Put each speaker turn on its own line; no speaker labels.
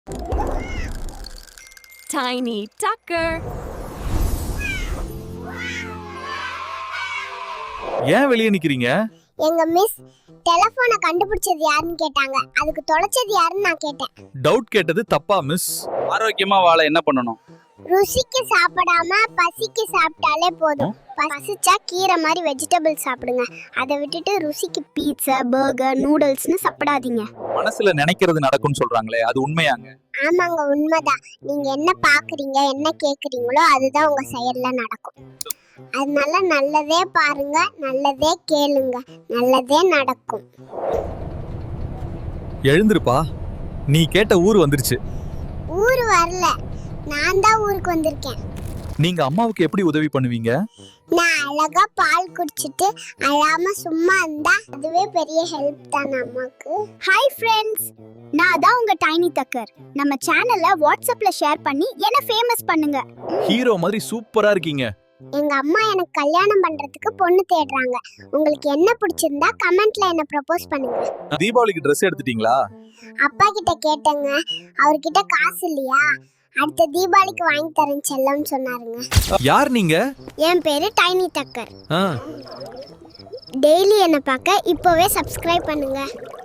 Tiny Tucker.
ஏன் வெளியே நிக்கிறீங்க?
எங்க மிஸ் டெலிபோனை கண்டுபிடிச்சது யாருன்னு கேட்டாங்க. அதுக்கு தொலைச்சது யாருன்னு நான் கேட்டேன்.
டவுட் கேட்டது தப்பா மிஸ்.
ஆரோக்கியமா வாழ என்ன பண்ணணும்?
ருசிக்கு சாப்பிடாம பசிக்கு சாப்பிட்டாலே போதும். பசிச்சா கீரை மாதிரி வெஜிடபிள் சாப்பிடுங்க. அதை விட்டுட்டு ருசிக்கு பீட்சா, பர்கர், நூடுல்ஸ்னு சாப்பிடாதீங்க.
மனசுல நினைக்கிறது நடக்கும்னு சொல்றாங்களே, அது உண்மையாங்க?
ஆமாங்க, உண்மைதான். நீங்க என்ன பாக்குறீங்க, என்ன கேக்குறீங்களோ அதுதான் உங்க செயல்ல நடக்கும். அதனால நல்லதே பாருங்க, நல்லதே கேளுங்க, நல்லதே நடக்கும்.
எழுந்திருப்பா, நீ கேட்ட ஊர் வந்துருச்சு.
ஊர் வரல, நான் தான் ஊருக்கு வந்திருக்கேன்.
நீங்க அம்மாவுக்கு எப்படி உதவி பண்ணுவீங்க?
நான் அழகா பால் குடிச்சிட்டு அழாம சும்மா இருந்தா அதுவே பெரிய ஹெல்ப் தான் அம்மாக்கு. ஹாய் ஃப்ரெண்ட்ஸ், நான் தான் உங்க டைனி டக்கர். நம்ம சேனலை வாட்ஸ்அப்ல ஷேர் பண்ணி என்ன ஃபேமஸ் பண்ணுங்க.
ஹீரோ மாதிரி சூப்பரா இருக்கீங்க.
எங்க அம்மா எனக்கு கல்யாணம் பண்றதுக்கு பொண்ணு தேடுறாங்க. உங்களுக்கு என்ன பிடிச்சிருந்தா கமெண்ட்ல என்ன ப்ரப்போஸ் பண்ணுங்க.
தீபாவளிக்கு Dress எடுத்துட்டீங்களா?
அப்பா கிட்ட கேட்டேங்க, அவர்கிட்ட காசு இல்லையா, அடுத்த தீபாவளிக்கு வாங்கி தரேன் செல்லம்னு சொன்னாருங்க.
யார் நீங்க?
என் பேரு டைனி டக்கர்.
ஆ.
டெய்லி என்ன பார்க்க இப்போவே சப்ஸ்கிரைப் பண்ணுங்க.